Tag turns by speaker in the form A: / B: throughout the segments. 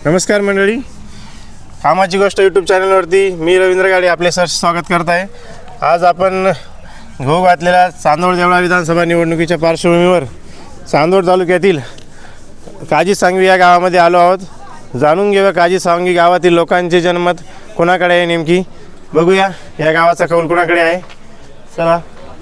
A: नमस्कार मंडळी, कामाची गोष्ट यूट्यूब चॅनलवरती मी रवींद्र गाडे आपले सहर्ष स्वागत करत आहे. आज आपण घोळ घातलेल्या चांदोड देवळा विधानसभा निवडणुकीच्या पार्श्वभूमीवर चांदोड तालुक्यातील काजी सांगवी या गावामध्ये आलो आहोत. जाणून घेऊया काजी सांगवी गावातील लोकांचे जनमत कोणाकडे आहे नेमकी, बघूया या गावाचा कौल कोणाकडे आहे. चला.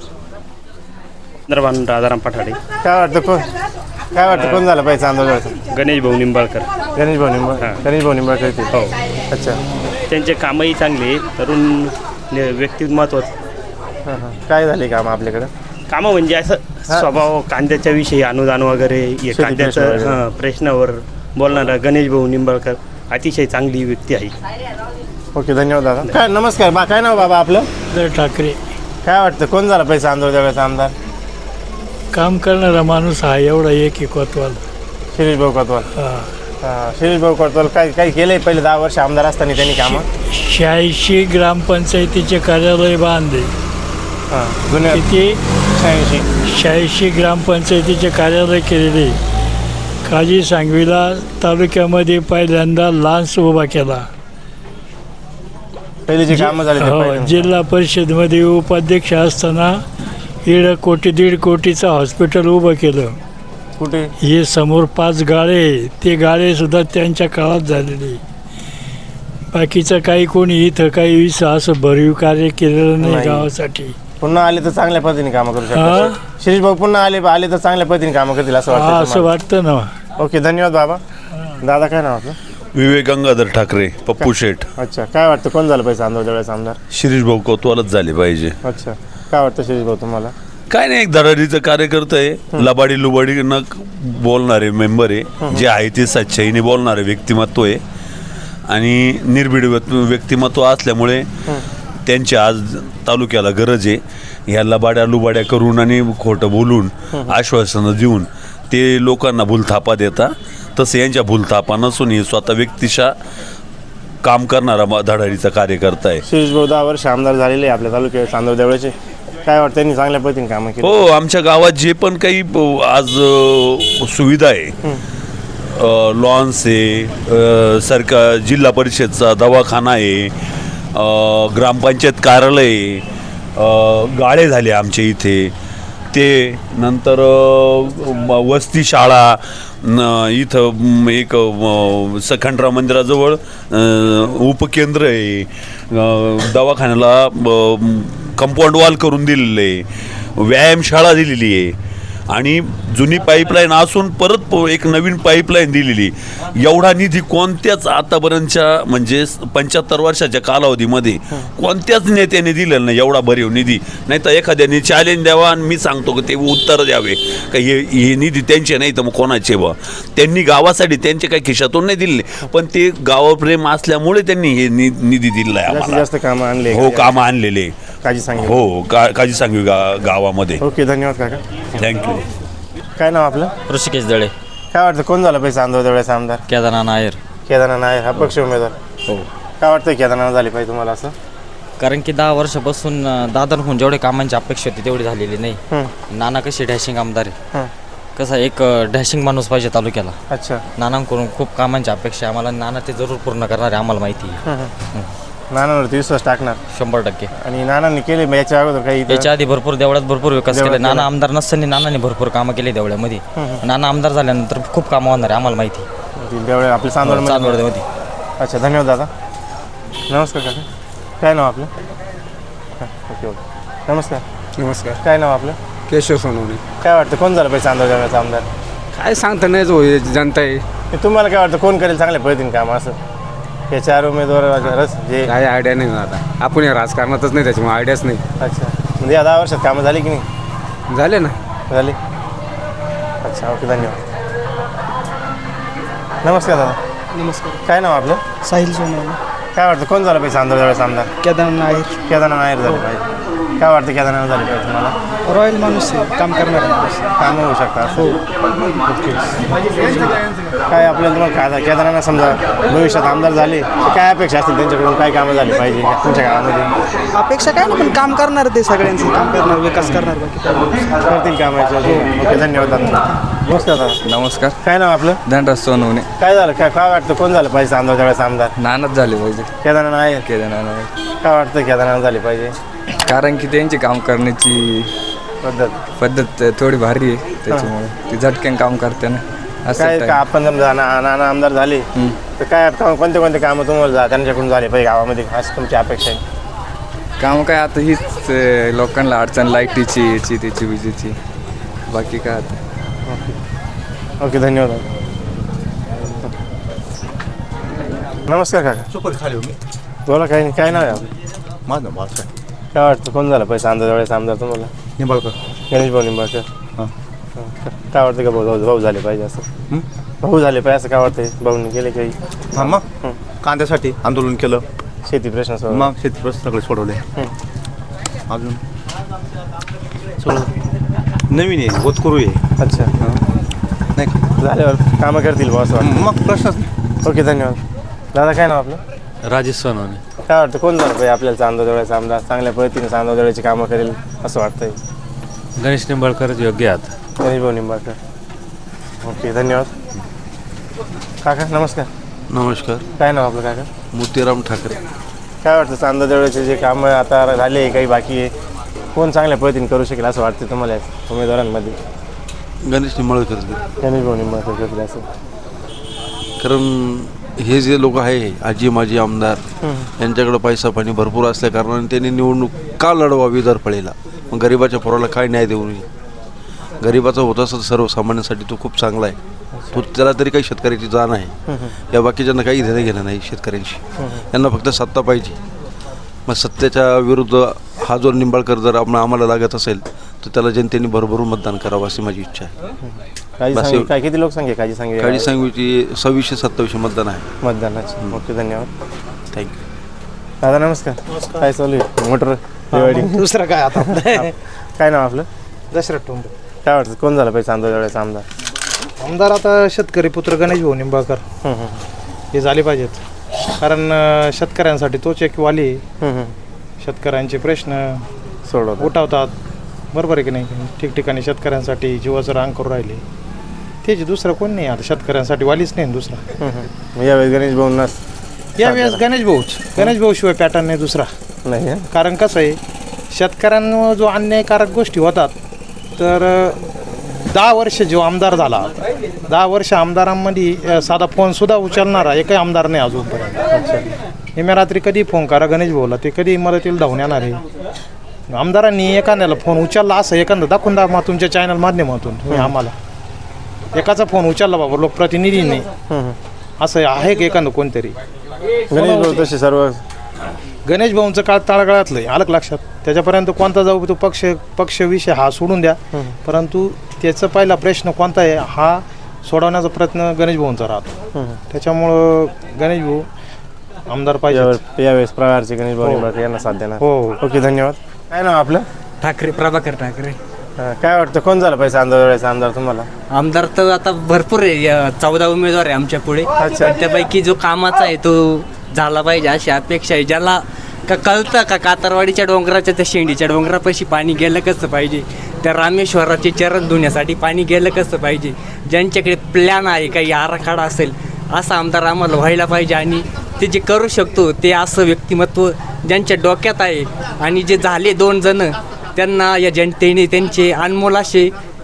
B: राजाराम पठाडे.
A: काय वाटतं कोण झालं पाहिजे चांदोडचं?
B: गणेश भाऊ निंबाळकर.
A: गणेश भाऊ निंबाळकर ते.
B: हो.
A: अच्छा.
B: त्यांचे कामही चांगले, तरुण व्यक्तिमत्व.
A: काय झाले काम आपल्याकडं?
B: कामं म्हणजे असं स्वभाव, कांद्याच्या विषयी अनुदान वगैरे, कांद्याचं प्रश्नावर बोलणारा गणेश भाऊ निंबाळकर अतिशय चांगली व्यक्ती आहे.
A: ओके, धन्यवाद दादा. काय नमस्कार काय नाव बाबा आपलं?
C: ठाकरे.
A: काय वाटतं कोण झालं पाहिजे चांदोड देवळाचा आमदार?
C: काम करणारा माणूस हा एवढा एक कोतवाल.
A: शिरीष भाऊ कोतवाल. शिरीष भाऊ कोतवाल काय केलंय पहिले 10 वर्ष आमदार असताना त्यांनी कामं?
C: 86 ग्रामपंचायतीचे कार्यालय बांधले.
A: जुन्या
C: किती?
A: 86.
C: 86 ग्रामपंचायतीचे कार्यालय केलेले. काजी सांगवीला तालुक्यामध्ये पहिल्यांदा लान्स उभा केला.
A: पहिले जे कामं झाले ते पहिले.
C: जिल्हा परिषदमध्ये उपाध्यक्ष असताना 1.5 कोटीचं हॉस्पिटल उभं केलं.
A: कुठे?
C: हे समोर 5 गाळे, ते गाळे सुद्धा त्यांच्या काळात झालेले. बाकीचं काही कोणी इथं काही असं भरीव कार्य केलेलं नाही गावासाठी.
A: पुन्हा आले तर चांगल्या पद्धतीने कामं करू शकतात. शिरीष भाऊ पुन्हा आले तर चांगल्या पद्धतीने कामं करतील असं वाटतं?
C: असं वाटतं ना.
A: ओके, धन्यवाद बाबा. दादा काय नाव आपलं?
D: विवेक गंगाधर ठाकरे, पप्पू शेठ.
A: अच्छा. काय वाटतं कोण झालं पाहिजे चांदोड देवळाचा आमदार?
D: शिरीष भाऊ कोतवालच झाले पाहिजे.
A: अच्छा. काय वाटतं शिरीष भाऊ तुम्हाला?
D: काय नाही, एक धडाडीचं कार्यकर्ता आहे, लबाडी लुबाडी न बोलणारे मेंबर आहे, जे आहे ते सच्चाईने बोलणारे व्यक्तिमत्व आहे आणि निर्भीड व्यक्तिमत्व असल्यामुळे त्यांची आज तालुक्याला गरज आहे. ह्या लबाड्या लुबाड्या करून आणि खोटं बोलून आश्वासनं देऊन ते लोकांना भूलथापा देता, तसं यांच्या भूलथापा नसून हे स्वतः व्यक्तिशा काम करणारा धडाडीचा कार्यकर्ता आहे.
A: शिरीष भाऊ 10 वर्ष आमदार झालेले आपल्या तालुक्यात चांदोड देवळाचे. काय वाटतं त्यांनी चांगल्या पद्धतीने कामं केली?
D: हो, आमच्या गावात जे पण काही आज सुविधा आहे, लॉन्स आहे, सरकार जिल्हा परिषदचा दवाखाना आहे, ग्रामपंचायत कार्यालय आहे, गाळे झाले आमच्या इथे, ते नंतर वस्ती शाळा, इथं एक सखंडराव मंदिराजवळ उपकेंद्र आहे, दवाखान्याला कंपाऊंड वॉल करून दिलेलं आहे, व्यायामशाळा दिलेली आहे आणि जुनी पाईपलाईन असून परत एक नवीन पाईपलाईन दिलेली. एवढा निधी कोणत्याच आतापर्यंतच्या म्हणजे 75 वर्षाच्या कालावधीमध्ये कोणत्याच नेत्याने दिलेला नाही, एवढा भरीव निधी. नाही तर एखाद्याने चॅलेंज द्यावा आणि मी सांगतो की ते उत्तर द्यावे का हे निधी त्यांचे नाही तर मग कोणाचे बा. त्यांनी गावासाठी त्यांचे काही खिशातून नाही दिले, पण ते गावप्रेम असल्यामुळे त्यांनी हे निधी दिलेला आहे.
A: जास्त कामं आणले.
D: हो, कामं आणलेले
A: काजी सांगवी.
D: हो, काजी सांगवी गावामध्ये.
A: ओके, धन्यवाद काका.
D: थँक्यू.
A: काय नाव आपलं?
E: ऋषिकेश दळे.
A: काय वाटतं कोण झालं पाहिजे चांदोड देवळाचा आमदार?
E: केदारनाथ नायर.
A: केदारनाथ नायर हा पक्ष उमेदवार.
E: हो.
A: काय वाटतं केदारनाथ झाले पाहिजे तुम्हाला असं?
E: कारण की 10 वर्षापासून दादांहून जेवढे कामांची अपेक्षा होती तेवढी झालेली नाही. नाना कशी डॅशिंग आमदार आहे, कसा एक डॅशिंग माणूस पाहिजे तालुक्याला.
A: अच्छा.
E: नानांकडून खूप कामांची अपेक्षा आहे आम्हाला. नाना ते जरूर पूर्ण करणार आहे, आम्हाला माहिती आहे.
A: नानांवरती विश्वास टाकणार
E: 100%.
A: आणि नानांनी केले याच्या अगोदर काही?
E: याच्या आधी भरपूर देवळात भरपूर विकास केला. नाना आमदार नसताना नानाने भरपूर कामं केली देवळ्यामध्ये. नाना आमदार झाल्यानंतर खूप कामं होणार आहे, आम्हाला माहिती.
A: देवळ्या आपल्या
E: चांदोडमध्ये.
A: अच्छा, धन्यवाद दादा. नमस्कार काका. काय नाव आपलं? ओके ओके, नमस्कार.
F: नमस्कार.
A: काय नाव आपलं?
F: केशव सोनवणे.
A: काय वाटतं कोण झालं पाहिजे चांदोड देवळाचा आमदार?
F: काय सांगता नाही, जो जनता आहे.
A: तुम्हाला काय वाटतं कोण करेल चांगल्या पद्धतीने काम असं? हे 4 उमेदवार जे
F: काय आयडिया नाही आता, आपण या राजकारणातच नाही त्याच्यामुळे आयडियाच नाही.
A: अच्छा, म्हणजे या 10 वर्षात कामं झाली की नाही?
F: झाले ना.
A: झाली. अच्छा, ओके, धन्यवाद. नमस्कार दादा.
G: नमस्कार.
A: काय नाव आपलं?
G: साहिल सोनवणे.
A: काय वाटतं कोण झालं पाहिजे चांदोड देवळाचा आमदार?
G: केदारनाथ नायर.
A: केदारनाथ नायर झालं पाहिजे. काय वाटतं केदारनाथ झाले पाहिजे तुम्हाला?
G: रॉयल माणूस आहे, काम करणारा माणूस.
A: कामं होऊ शकतात. हो. ओके. काय आपल्याला तुम्हाला केदारनाथ समजा भविष्यात आमदार झाले तर काय अपेक्षा असतील त्यांच्याकडून, काय कामं झाली पाहिजे तुमच्या गावामध्ये?
G: अपेक्षा काय ना, पण काम करणार ते सगळ्यांचं काम करणार, विकास करणार. बाकी
A: करतील कामाचे. ओके, धन्यवाद दादा. नमस्कार दादा.
F: नमस्कार.
A: काय नाव आपलं?
F: धनराज सोनवणे.
A: काय झालं, काय वाटतं, कोण झालं पाहिजे चांदवडच्या वेळेस आमदार?
F: नानच झाले पाहिजे.
A: केदारनाथ आहे.
F: केदारनाथ.
A: काय वाटतं केदारनाथ झाले पाहिजे?
F: कारण की त्यांची काम करण्याची पद्धत थोडी भारी आहे, त्याच्यामुळे ती झटक्यान काम करते ना. असं
A: काय का आपण समजा नाना आमदार झाले तर काय कोणते कामं तुम्हाला त्यांच्याकडून झाले पाहिजे गावामध्ये, असं तुमची अपेक्षा आहे?
F: काम काय आता हीच लोकांना अडचण लाईटीची, याची त्याची, विजेची. बाकी काय आता.
A: ओके, धन्यवाद. नमस्कार काका. बोला, काय नाव आहे आपलं?
H: माझं भाषा
A: काय वाटतं, कोण झालं पाहिजे चांदवडच्या आमदार तुम्हाला?
H: निंबाळकर.
A: गणेश भाऊ निंबाळकर. काय वाटतं का भाऊ झाले पाहिजे असं? भाऊ झाले पाहिजे असं काय वाटतंय? भाऊनी केले काही?
H: हां, मग कांद्यासाठी आंदोलन केलं,
A: शेती प्रश्न सोडवला.
H: मग शेती प्रश्न सगळे सोडवले. अजून सगळं नवीन आहे, होतकरू आहे.
A: अच्छा,
H: नाही का?
A: झाल्यावर कामं करतील बॉस वाटतं.
H: मग प्रश्नच नाही.
A: ओके, धन्यवाद. दादा, काय नाव आपलं?
I: राजेश सोनवणे.
A: काय वाटतं, कोण झालं पाहिजे आपल्याला चांदवडचा आमदार? चांगल्या पद्धतीने चांदवडची कामं करेल असं वाटतंय?
I: गणेश निंबाळकरच योग्य आहेत.
A: गणेश भाऊ निंबाळकर. ओके, धन्यवाद. काका नमस्कार.
D: नमस्कार.
A: काय नाव आपलं काका?
D: मोतीराम ठाकरे.
A: काय वाटतं, चांदवडचे जे कामं आता झाले, काही बाकी आहे, कोण चांगल्या पद्धतीने करू शकेल असं वाटतं तुम्हाला उमेदवारांमध्ये?
D: गणेश निंबाळकर.
A: गणेश भाऊ निंबाळकर करतील असं?
D: कारण हे जे लोक आहे, आजी माजी आमदार, यांच्याकडे पैसा पाणी भरपूर असल्या कारणाने त्यांनी निवडणूक का लढवावी दरपळीला? मग गरिबाच्या पोराला काय न्याय देऊ नये? गरिबाचा होत असत सर्वसामान्यांसाठी तो खूप चांगला आहे. तो त्याला तरी काही शेतकऱ्याची जाण आहे. या बाकीच्यांना काही देणं घेणं नाही शेतकऱ्यांशी. यांना फक्त सत्ता पाहिजे. मग सत्तेच्या विरुद्ध हा जो निंबाळकर जर आम्हाला लागत असेल तर त्याला जनतेने भरभरून मतदान करावं अशी माझी इच्छा आहे.
A: काय किती लोकसंख्या काळजी सांगितली?
D: काळजी सांगवीची 2627 मतदान आहे.
A: मतदानाची. ओके, धन्यवाद.
D: थँक्यू.
A: दादा नमस्कार. काय चालू आहे? मोटर दिवाळी.
G: दुसरं काय आता?
A: काय नाव आपलं?
G: दशरथ टोंबे.
A: काय वाटतं, कोण झालं पाहिजे चांदवडचा आमदार?
G: आमदार आता शेतकरी पुत्र गणेश भाऊ निंबाळकर हे झाले पाहिजेत. कारण शेतकऱ्यांसाठी तोच एक वाली आहे. शेतकऱ्यांचे प्रश्न
A: सोडवतो.
G: उठवतात, बरोबर आहे की नाही? ठिकठिकाणी शेतकऱ्यांसाठी जीवाचं रांग करून राहिले. त्याची दुसरं कोण नाही आता, शेतकऱ्यांसाठी वालीच नाही दुसरा.
A: यावेळेस गणेश भाऊंनाच
G: यावेळेस गणेश भाऊ शिवाय पॅटर्न नाही दुसरा.
A: नाही.
G: कारण कसं आहे, शेतकऱ्यांवर जो अन्यायकारक गोष्टी होतात, तर 10 वर्ष जो आमदार झाला, 10 वर्ष आमदारांमध्ये साधा फोनसुद्धा उचलणारा एकही आमदार नाही अजूनपर्यंत. हे मी रात्री कधी फोन करा गणेश भाऊला, ते कधी मदतीला धावून येणार आहे. आमदारांनी एखाद्याला फोन उचलला असं एखादं दाखवून द्या मग तुमच्या चॅनल माध्यमातून तुम्ही आम्हाला. एकाचा फोन उचलला बाबा लोकप्रतिनिधीने, असं आहे की एखादं कोणतरी?
A: गणेश भाऊ तसे सर्व.
G: गणेश भाऊंचं काळ तळागाळातलं आहे, आलं लक्षात. त्याच्यापर्यंत कोणता जाऊ तो पक्ष विषय हा सोडून द्या, परंतु त्याचा पहिला प्रश्न कोणता आहे हा सोडवण्याचा प्रयत्न गणेश भाऊंचा राहतो. त्याच्यामुळं गणेश भाऊ आमदार पाहिजे
A: यावेळेस प्रकारचे गणेश भाऊ निंबाळकर यांना साथ देणार.
G: हो.
A: ओके, धन्यवाद. काय नाव आपलं?
J: ठाकरे, प्रभाकर ठाकरे.
A: काय वाटतं, कोण झालं पाहिजे चांदवडचा आमदार तुम्हाला?
J: आमदार तर आता भरपूर आहे, 14 उमेदवार आहे आमच्या पुढे. त्यापैकी जो कामाचा आहे तो झाला पाहिजे अशी अपेक्षा आहे. ज्याला कळतं का कातरवाडीच्या डोंगराच्या त्या शेंडीच्या डोंगरापाशी पाणी गेलं कसं पाहिजे, त्या रामेश्वराचे चरण धुण्यासाठी पाणी गेलं कसं पाहिजे, ज्यांच्याकडे प्लॅन आहे, काही आराखडा असेल, असा आमदार आम्हाला व्हायला पाहिजे. आणि ते जे करू शकतो ते असं व्यक्तिमत्व ज्यांच्या डोक्यात आहे. आणि जे झाले 2 जण त्यांना या जनतेने त्यांचे अनमोल असे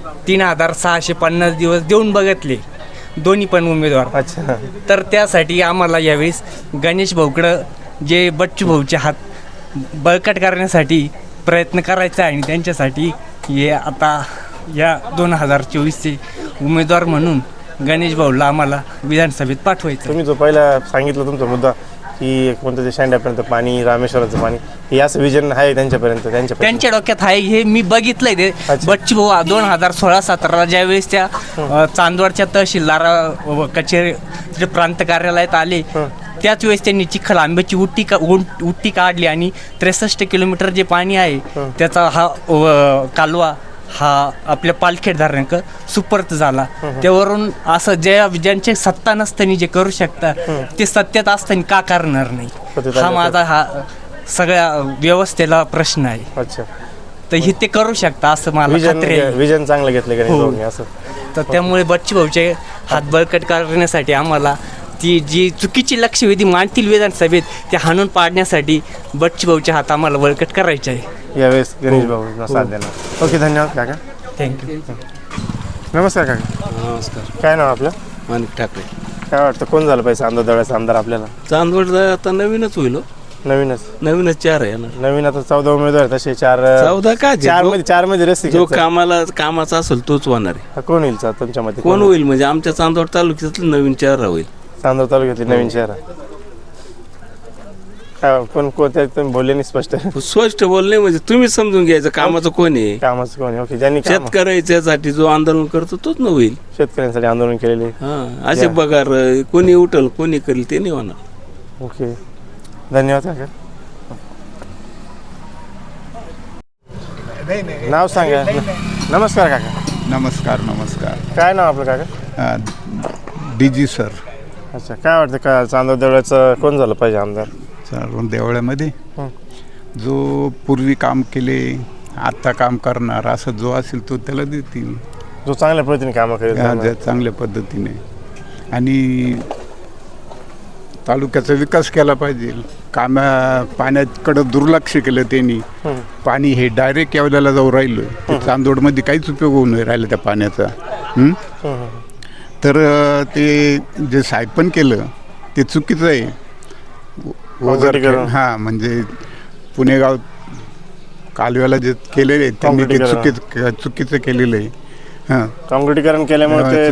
J: 3650 दिवस देऊन बघितले, दोन्ही पण उमेदवार.
A: अच्छा.
J: तर त्यासाठी आम्हाला यावेळेस गणेश भाऊकडं जे बच्चू भाऊचे हात बळकट करण्यासाठी प्रयत्न करायचा आहे. आणि त्यांच्यासाठी हे आता या 2024चे उमेदवार म्हणून गणेश भाऊला आम्हाला विधानसभेत पाठवायचं.
A: तुम्ही जो पहिला सांगितलं तुमचा मुद्दा की कोणतं ते शेंड्यापर्यंत पाणी, रामेश्वराचं पाणी, हे असं विजन आहे त्यांच्यापर्यंत?
J: त्यांच्या डोक्यात आहे हे मी बघितलंय. ते बच्चू भाऊ 2016-17 ज्यावेळेस त्या चांदवडच्या तहसीलदार कचेरी प्रांत कार्यालयात आले, त्याच वेळेस त्यांनी चिखल आंब्याची उट्टी काढली आणि 63 किलोमीटर जे पाणी आहे त्याचा हा कालवा हा आपल्या पालखेड धरणाक सुपर्त झाला. त्यावरून असं ज्यांचे सत्ता नसताना जे करू शकतात ते सत्तेत असताना का करणार नाही, हा माझा हा सगळ्या व्यवस्थेला प्रश्न आहे.
A: अच्छा.
J: तर हे ते करू शकता असं मला खात्री आहे.
A: विजन चांगलं घेतलं गणेश भाऊंनी असं?
J: तर त्यामुळे बच्चू भाऊचे हात बळकट करण्यासाठी आम्हाला ती जी चुकीची लक्षवेधी मांडतील विधानसभेत ते हाणून पाडण्यासाठी बच्चू भाऊचे हात आम्हाला बळकट करायचे आहे.
A: यावेळेस गणेश भाऊ साथ देणार. ओके, धन्यवाद काका.
J: थँक्यू.
A: नमस्कार काका.
H: नमस्कार.
A: काय नाव आपलं?
H: माणिक ठाकरे.
A: काय वाटतं कोण झालं पाहिजे चांदोर देवळाचा आमदार आपल्याला?
H: चांदवड आता नवीनच होईल.
A: नवीनच
H: 4 आहे ना.
A: नवीन आता 14 उमेदवार तसे
H: 14 काय?
A: 4 मध्ये रस्ते
H: जो कामाचा असेल तोच होणार आहे.
A: कोण होईल तुमच्या मते?
H: कोण होईल म्हणजे आमच्या चांदवड तालुक्यातलं नवीन 4 होईल.
A: चांदोर तालुक्यातली नवीन शहर काय कोण कोणत्या तुम्ही बोलले नाही
H: स्पष्ट बोलणे म्हणजे तुम्ही समजून घ्यायचं कामाचं कोण आहे.
A: कामाचं कोण आहे? ओके, ज्यांनी
H: शेतकऱ्याच्यासाठी जो आंदोलन करतो तोच न होईल.
A: शेतकऱ्यांसाठी आंदोलन केलेले.
H: असे पगार कोणी उठल कोणी करेल ते नाही होणार.
A: ओके, धन्यवाद काका. नाव सांगा. नमस्कार काका.
K: नमस्कार.
A: काय नाव आपलं काका?
K: DG sir.
A: अच्छा, काय वाटतं का चांदोर देवळाचं कोण झालं पाहिजे आमदार?
K: चांदोर देवळ्यामध्ये जो पूर्वी काम केले आत्ता काम करणार असं जो असेल तो त्याला देतील.
A: जो चांगल्या पद्धतीने कामं करेल.
K: चांगल्या पद्धतीने आणि तालुक्याचा विकास केला पाहिजे. पाण्याकडं दुर्लक्ष केलं त्यांनी. पाणी हे डायरेक्ट यावल्याला जाऊ राहिलं. चांदोडमध्ये काहीच उपयोग होऊ नाही राहिला त्या पाण्याचा. तर ते जे सायपन केलं ते चुकीचं आहे. हां, म्हणजे पुणेगाव कालव्याला जे केलेलं आहे त्यांनी ते चुकीचं केलेलं आहे. हां,
A: काँक्रिटीकरण केल्यामुळे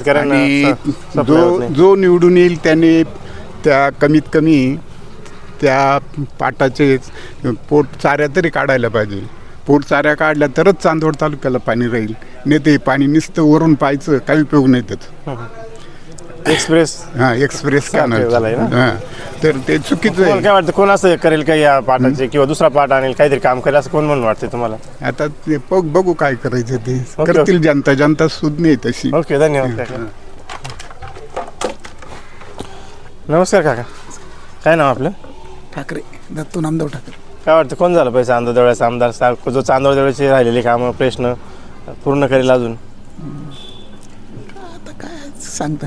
K: जो निवडून येईल त्याने त्या कमीत कमी त्या पाटाचे पोट चाऱ्या तरी काढायला पाहिजे. पोट चाऱ्या काढल्या तरच चांदवड तालुक्याला पाणी राहील. नाही ते पाणी नुसतं वरून पाहायचं काही उपयोग नाही त्याचं. एक्सप्रेस का तर ते चुकीचं आहे.
A: काय वाटतं कोण असं करेल का या पाटाचे किंवा दुसरा पाट आणेल काहीतरी काम करेल असं कोण म्हणून वाटतं तुम्हाला?
K: आता ते बघू काय करायचं ते करतील. जनता सुद्धा नाही तशी.
A: ओके, धन्यवाद काका. नमस्कार काका. काय नाव आपलं?
L: ठाकरे, दत्तू नामदेव ठाकरे.
A: काय वाटतं कोण झालं पाहिजे चांदोर देवळाचा आमदार जो चांदोर देवळाचे राहिलेले कामं प्रश्न पूर्ण करेल अजून?
L: आता काय सांगता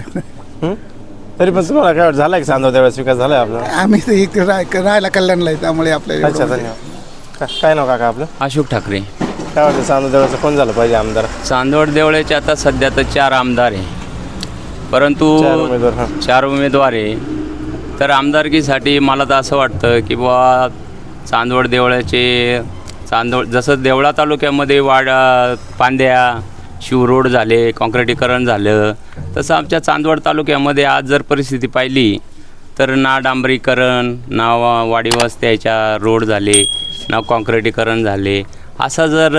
A: तरी पण तुम्हाला काय वाटतं झाला की चांदोर देवळाचा विकास झालाय आपला?
L: आम्ही तर इकडे राहायला कल्याणला आहे त्यामुळे आपल्याला.
A: अच्छा, धन्यवाद. काय नाव काका आपलं?
M: अशोक ठाकरे.
A: काय वाटतं चांदोर देवळाचं कोण झालं पाहिजे आमदार?
M: चांदवड देवळाचे आता सध्या तर 4 आमदार आहे, परंतु 4 उमेदवार आहे. तर आमदारकीसाठी मला तर असं वाटतं की बुवा चांदवड देवळाचे जसं देवळा तालुक्यामध्ये पांद्या शिवरोड झाले, काँक्रिटीकरण झालं, तसं आमच्या चांदवड तालुक्यामध्ये आज जर परिस्थिती पाहिली तर ना डांबरीकरण, ना वाडी वस्त्याच्या रोड झाले, ना काँक्रिटीकरण झाले. असा जर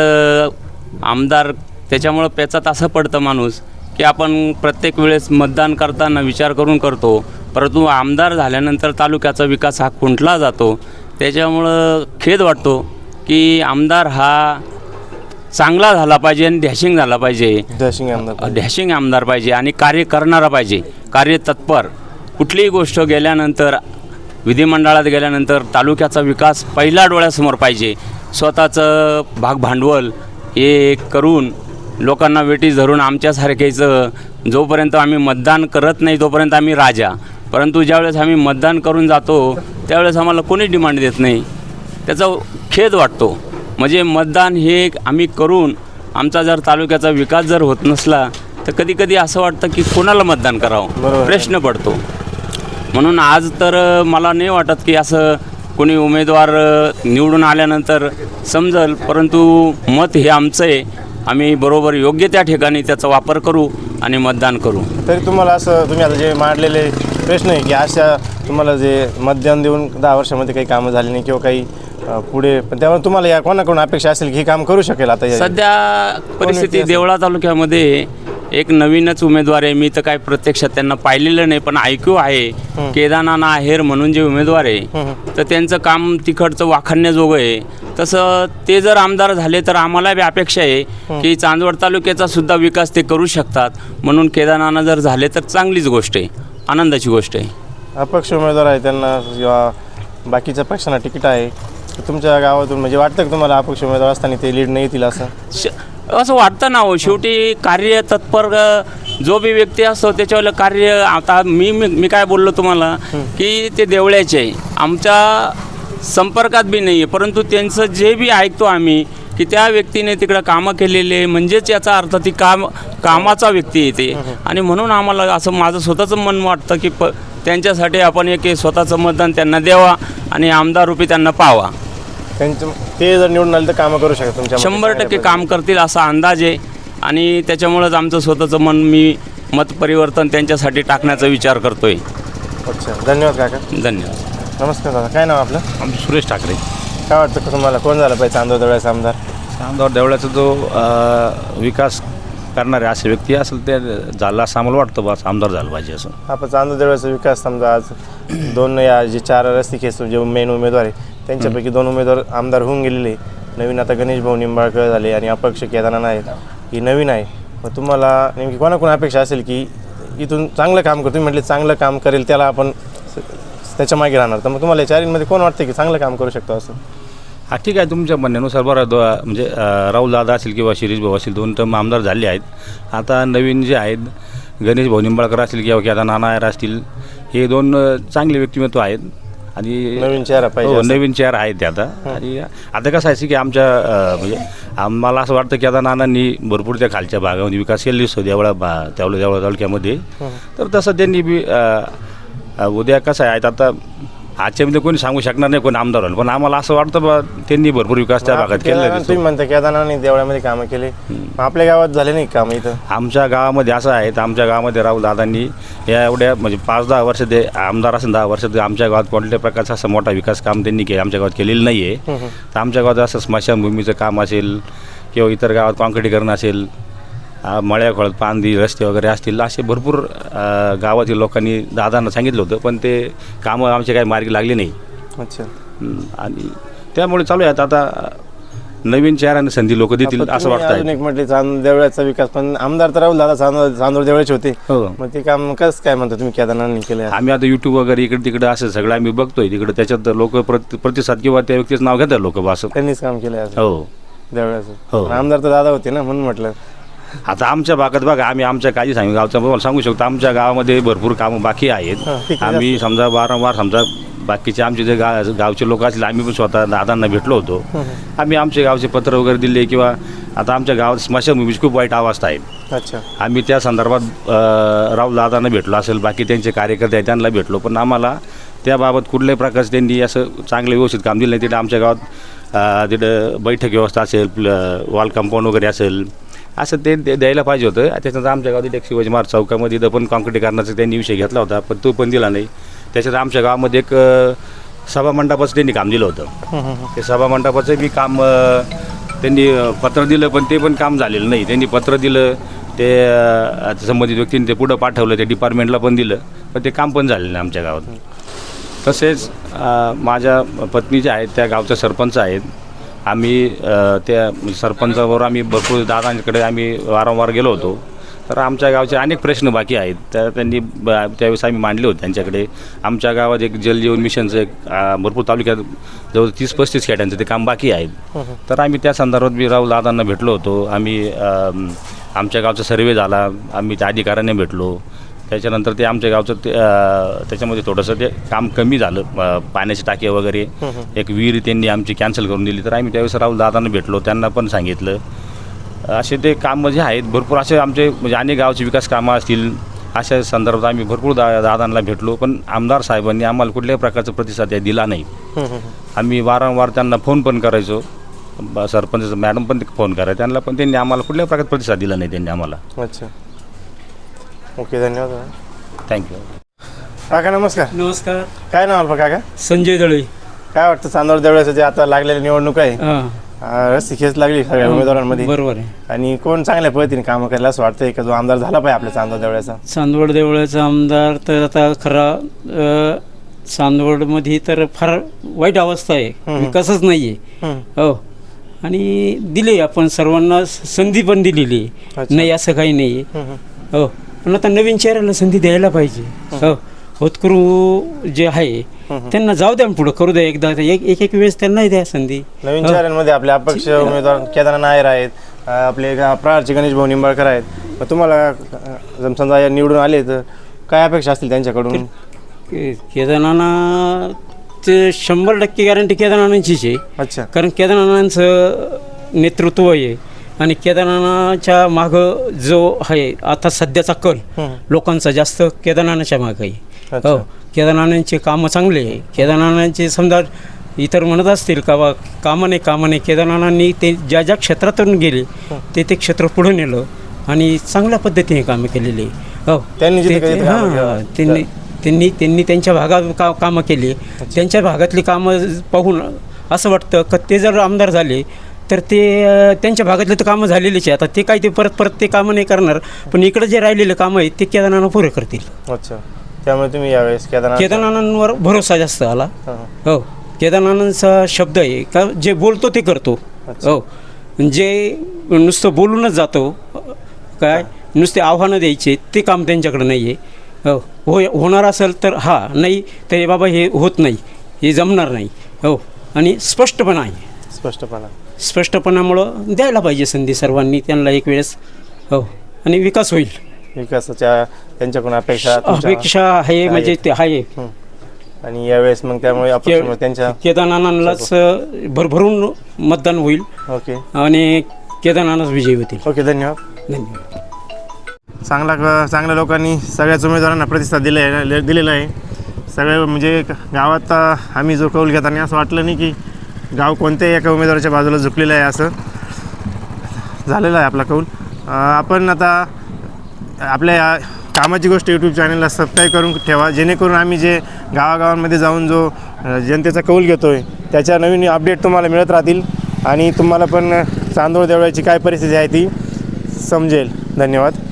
M: आमदार त्याच्यामुळं पेचात असं पडतं माणूस की आपण प्रत्येक वेळेस मतदान करताना विचार करून करतो, परंतु आमदार झाल्यानंतर तालुक्याचा विकास हा खुंटला जातो. त्याच्यामुळं खेद वाटतो की आमदार हा चांगला झाला पाहिजे आणि डॅशिंग झाला पाहिजे. डॅशिंग आमदार पाहिजे आणि कार्य करणारा पाहिजे, कार्यतत्पर. कुठलीही गोष्ट गेल्यानंतर विधिमंडळात गेल्यानंतर तालुक्याचा विकास पहिला डोळ्यासमोर पाहिजे. स्वतःचं भागभांडवल हे करून लोकांना वेटीस धरून आमच्यासारखेचं जोपर्यंत आम्ही मतदान करत नाही तोपर्यंत आम्ही राजा, परंतु ज्यावेळेस आम्ही मतदान करून जातो त्यावेळेस आम्हाला कोणी डिमांड देत नाही. त्याचा खेद वाटतो. म्हणजे मतदान हे आम्ही करून आमचा जर तालुक्याचा विकास जर होत नसला तर कधी कधी असं वाटतं की कोणाला मतदान करावं, प्रश्न पडतो. म्हणून आज तर मला नाही वाटत की असं कोणी उमेदवार निवडून आल्यानंतर समजल, परंतु मत हे आमचं आहे. आम्ही बरोबर योग्य त्या ठिकाणी त्याचा वापर करू आणि मतदान करू.
A: तरी तुम्हाला असं तुम्ही आता जे मांडलेले प्रश्न आहे की अशा तुम्हाला जे मतदान देऊन 10 वर्षामध्ये काही कामं झाली नाही किंवा काही पुढे, पण त्यामुळे तुम्हाला या कोणाकडून अपेक्षा असेल की हे काम करू शकेल? आता
M: सध्या परिस्थिती देवळा तालुक्यामध्ये एक नवीनच उमेदवार आहे. मी तर काय प्रत्यक्षात त्यांना पाहिलेलं नाही, पण ऐकू आहे. केदारनाथ आहेर म्हणून जे उमेदवार आहे तर त्यांचं काम तिकडचं वाखाणण्याजोगं आहे. तसं ते जर आमदार झाले तर आम्हाला बी अपेक्षा आहे की चांदवड तालुक्याचा सुद्धा विकास ते करू शकतात. म्हणून केदारनाथ जर झाले तर चांगलीच गोष्ट आहे, आनंदाची गोष्ट आहे.
A: अपक्ष उमेदवार आहे त्यांना किंवा बाकीच्या पक्षांना तिकीट आहे, तुमच्या गावातून म्हणजे वाटतं की तुम्हाला अपक्ष उमेदवार असताना ते लीड नाही येतील असं?
M: असं वाटतं ना हो. शेवटी कार्य तत्पर जो बी व्यक्ती असतो त्याच्यावर कार्य. आता मी काय बोललो तुम्हाला की ते देवळ्याचे आहे, आमच्या संपर्कात बी नाही आहे, परंतु त्यांचं जे बी ऐकतो आम्ही की त्या व्यक्तीने तिकडं कामं केलेले, म्हणजेच याचा अर्थ ती कामाचा व्यक्ती येते. आणि म्हणून आम्हाला असं माझं स्वतःचं मन वाटतं की त्यांच्यासाठी आपण एक स्वतःचं मतदान त्यांना द्यावा आणि आमदार रूपी त्यांना पाहावा.
A: ते जर निवडून आले तर कामं करू शकतात तुमच्या
M: 100% काम करतील असा अंदाज आहे. आणि त्याच्यामुळंच आमचं स्वतःचं मी मत परिवर्तन त्यांच्यासाठी टाकण्याचा विचार करतोय.
A: अच्छा, धन्यवाद काका.
M: धन्यवाद.
A: नमस्कार दादा, काय नाव आपलं?
H: आमचं सुरेश ठाकरे.
A: काय वाटतं तुम्हाला कोण झालं पाहिजे चांदवड देवळ्याचा आमदार?
H: चांदवड देवळाचा जो विकास करणारे असे व्यक्ती असेल ते झाला असं आम्हाला वाटतं, बस आमदार झालं पाहिजे असं.
A: आपण चांदवड देवळ्याचा विकास समजा आज 2 या जे 4 रस्तिकेस जे मेन उमेदवार आहे त्यांच्यापैकी 2 उमेदवार आमदार होऊन गेलेले. नवीन आता गणेश भाऊ निंबाळकर झाले आणि अपक्ष केदारनाथ आहेत, ही नवीन आहे. मग तुम्हाला नेमकी कोणाकोणा अपेक्षा असेल की इथून चांगलं काम करतो? तुम्ही म्हटले चांगलं काम करेल त्याला आपण त्याच्या मागे राहणार, तर मग तुम्हाला 4 कोण वाटतं की चांगलं काम करू शकतो असं?
H: हा ठीक आहे, तुमच्या म्हणण्यानुसार बरं म्हणजे राहुल दादा असेल किंवा शिरीष भाऊ असेल 2 टर्म आमदार झाले आहेत. आता नवीन जे आहेत गणेश भाऊ निंबाळकर असतील किंवा केदारनाथ नायर असतील, हे 2 चांगले व्यक्तिमत्व आहेत आणि
A: नवीन चेहरा पाहिजे.
H: हो, नवीन चेहरा आहेत ते आता. आणि आता कसं आहे की आमच्या म्हणजे आम्हाला असं वाटतं की आता नानांनी भरपूर त्या खालच्या भागामध्ये विकास केलेली असतो देवळा तालुक्यामध्ये. तर तसं त्यांनी बी उद्या कसं आहे आता आजच्यामध्ये कोणी सांगू शकणार नाही कोण आमदार होईल, पण आम्हाला असं वाटतं बा त्यांनी भरपूर विकास त्या भागात केलेला.
A: तुम्ही म्हणता केदारनाथ देवळ्यामध्ये कामं केले, आपल्या गावात झाले नाही काम इथं?
H: आमच्या गावामध्ये असं आहे, तर आमच्या गावामध्ये राहुल दादांनी या एवढ्या म्हणजे 5-10 वर्ष ते आमदार असेल 10 वर्ष आमच्या गावात कोणत्या प्रकारचा असं मोठा विकास काम त्यांनी आमच्या गावात केलेलं नाही आहे. तर आमच्या गावात असं स्मशानभूमीचं काम असेल किंवा इतर गावात काँक्रिटीकरण असेल, मळ्या खोळत पांदी रस्ते वगैरे असतील, असे भरपूर गावातील लोकांनी दादांना सांगितलं होतं, पण ते कामं आमचे काही मार्गी लागले नाही.
A: अच्छा.
H: आणि त्यामुळे चालू आहेत आता नवीन चेहऱ्याने संधी लोक देतील असं वाटतं.
A: अजून एक म्हटले चांदवड देवळ्याचा विकास, पण आमदार तर राहुल दादा चांदवड देवळ्याचे होते. मग ते काम कसं काय म्हणतो तुम्ही केदारनाथांनी केलं?
H: आम्ही आता यूट्यूब वगैरे इकडे तिकडे असं सगळं आम्ही बघतोय, तिकडे त्याच्यात लोक प्रतिसाद किंवा त्या व्यक्तीचं नाव घेतात लोक असं.
A: त्यांनीच काम केलं
H: हो
A: देवळ्याचं.
H: हो,
A: आमदार तर दादा होते ना, म्हणून म्हटलं.
H: आता आमच्या भागात बघा, आम्ही आमच्या काही गावचं सांगू शकतो, आमच्या गावामध्ये भरपूर कामं बाकी आहेत. आम्ही समजा वारंवार समजा बाकीचे आमचे जे गावचे लोक असतील, आम्ही पण स्वतः दादांना भेटलो होतो. आम्ही आमचे गावचे पत्र वगैरे दिले किंवा आता आमच्या गावात स्मशानभूमीची खूप वाईट अवस्था आहे.
A: अच्छा.
H: आम्ही त्या संदर्भात राहुल दादांना भेटलो असेल, बाकी त्यांचे कार्यकर्ते आहेत त्यांना भेटलो, पण आम्हाला त्याबाबत कुठल्याही प्रकारचं त्यांनी असं चांगलं व्यवस्थित काम दिलं नाही. तिथं आमच्या गावात तिथं बैठक व्यवस्था असेल, वॉल कंपाऊंड वगैरे असेल, असं ते द्यायला पाहिजे होतं. त्याच्यानंतर आमच्या गावात एक शिवाजी महाराज चौकामध्ये इथं पण काँक्रिटीकरणाचा त्यांनी विषय घेतला होता, पण तो पण दिला नाही. त्याच्यात आमच्या गावामध्ये एक सभामंडपाचं त्यांनी काम दिलं होतं. ते सभामंडपाचं बी काम त्यांनी पत्र दिलं, पण ते पण काम झालेलं नाही. त्यांनी पत्र दिलं, ते संबंधित व्यक्तीने ते पुढं पाठवलं, ते डिपार्टमेंटला पण दिलं, पण ते काम पण झालेलं नाही आमच्या गावात. तसेच माझ्या पत्नी ज्या आहेत त्या गावच्या सरपंच आहेत. आम्ही त्या सरपंचाबरोबर आम्ही भरपूर दादांकडे आम्ही वारंवार गेलो होतो. तर आमच्या गावचे अनेक प्रश्न बाकी आहेत, तर त्यांनी त्यावेळेस आम्ही मांडले होते त्यांच्याकडे. आमच्या गावात एक जलजीवन मिशनचं एक भरपूर तालुक्यात जवळ 30-35 खेड्यांचं ते काम बाकी आहेत. तर आम्ही त्या संदर्भात बी राहुल दादांना भेटलो होतो. आम्ही आमच्या गावचा सर्वे झाला, आम्ही त्या अधिकाऱ्यांनी भेटलो. त्याच्यानंतर ते आमच्या गावचं त्याच्यामध्ये थोडंसं ते काम कमी झालं, पाण्याची टाकी वगैरे, एक विहीर त्यांनी आमची कॅन्सल करून दिली. तर आम्ही त्यावेळेस राहुल दादांना भेटलो, त्यांना पण सांगितलं. असे ते कामं जे आहेत भरपूर असे आमचे म्हणजे अनेक गावचे विकास कामं असतील, अशा संदर्भात आम्ही भरपूर दादांना भेटलो, पण आमदार साहेबांनी आम्हाला कुठल्याही प्रकारचा प्रतिसाद दिला नाही. आम्ही वारंवार त्यांना फोन पण करायचो, सरपंच मॅडम पण फोन करायचे त्यांना, पण त्यांनी आम्हाला कुठल्याही प्रकारचा प्रतिसाद दिला नाही त्यांनी आम्हाला.
A: अच्छा, ओके, धन्यवाद.
H: थँक्यू.
A: काका नमस्कार.
N: नमस्कार.
A: काय नाव आपलं काका?
N: संजय दळे.
A: काय वाटतं चांदवड देवळ्याचं जे आता लागलेली निवडणूक आहे, रस्ती खेच लागली सगळ्या उमेदवारांमध्ये,
N: बरोबर आहे,
A: आणि कोण चांगल्या पद्धतीने कामं करायला असं वाटतंय का जो आमदार झाला पाहिजे आपल्या चांदवड देवळ्याचा?
N: चांदवड देवळाचा आमदार तर आता खरा चांदवडमध्ये तर फार वाईट अवस्था आहे, विकासच नाही आहे. हो, आणि दिले आपण सर्वांना संधी पण दिलेली नाही असं काही नाही आहे. हो, पण आता नवीन चेहऱ्याला संधी द्यायला पाहिजे. हो, होतकरू जे आहे त्यांना जाऊ द्या, पुढं करू द्या एकदा, एक वेळेस त्यांनाही द्या संधी.
A: नवीन चेहऱ्यांमध्ये आपले अपक्ष उमेदवार केदारनाथ नायर आहेत, आपले प्रहारचे गणेश भाऊ निंबाळकर आहेत. मग तुम्हाला समजा या निवडून आले तर काय अपेक्षा असतील त्यांच्याकडून?
N: केदारनाथाचं 100% गॅरंटी केदारनाथांचीच आहे.
A: अच्छा.
N: कारण केदारनाथांचं नेतृत्व आहे आणि केदारनाथाच्या मागं जो आहे आता सध्याचा कल लोकांचा जास्त केदारनाथाच्या मागं आहे. हो, केदारनाथांचे कामं चांगले आहे. केदारनाथांचे समजा इतर म्हणत असतील का बा कामं नाही केदारनाथांनी ते ज्या ज्या क्षेत्रातून गेले ते क्षेत्र पुढे नेलं आणि चांगल्या पद्धतीने कामं केलेली. हो, त्यांनी त्यांच्या भागात कामं केली. त्यांच्या भागातली कामं पाहून असं वाटतं का ते जर आमदार झाले तर ते त्यांच्या भागातले तर कामं झालेलीच आहे. आता ते काय ते परत ते कामं नाही करणार, पण इकडे जे राहिलेले कामं आहेत ते केदारनाथ पुरे करतील.
A: अच्छा. त्यामुळे तुम्ही यावेळेस
N: केदारनाथांवर भरोसा जास्त आला. हो, केदारनाथांचा शब्द आहे का जे बोलतो ते करतो. हो, जे नुसतं बोलूनच जातो काय नुसते आव्हानं द्यायचे ते काम त्यांच्याकडे नाही आहे. हो, होणार असेल तर नाही तर बाबा हे होत नाही, हे जमणार नाही. हो, आणि स्पष्टपणा आहे. स्पष्टपणामुळं द्यायला पाहिजे संधी सर्वांनी त्यांना एक वेळेस. हो, आणि विकास होईल.
A: विकासाच्या त्यांच्याकडून अपेक्षा
N: आहे म्हणजे ते आहे.
A: आणि यावेळेस मग त्यामुळे त्यांच्या
N: केदारनाथांनाच भरभरून मतदान होईल.
A: ओके.
N: आणि केदारनाथच विजयी होतील.
A: ओके, धन्यवाद. चांगल्या लोकांनी सगळ्याच उमेदवारांना प्रतिसाद दिलेला आहे. सगळे म्हणजे गावात आम्ही जो कौल घेताना असं वाटलं नाही की गाव कोणत्याही एका उमेदवाराच्या बाजूला झुकलेलं आहे, असं झालेलं आहे आपला कौल. आपण आता आपल्या या कामाची गोष्ट यूट्यूब चॅनलला सबस्क्राईब करून ठेवा, जेणेकरून आम्ही जे गावागावांमध्ये जाऊन जो जनतेचा कौल घेतो आहे त्याच्या नवीन अपडेट तुम्हाला मिळत राहतील आणि तुम्हाला पण चांदोड देवळाची काय परिस्थिती आहे ती समजेल. धन्यवाद.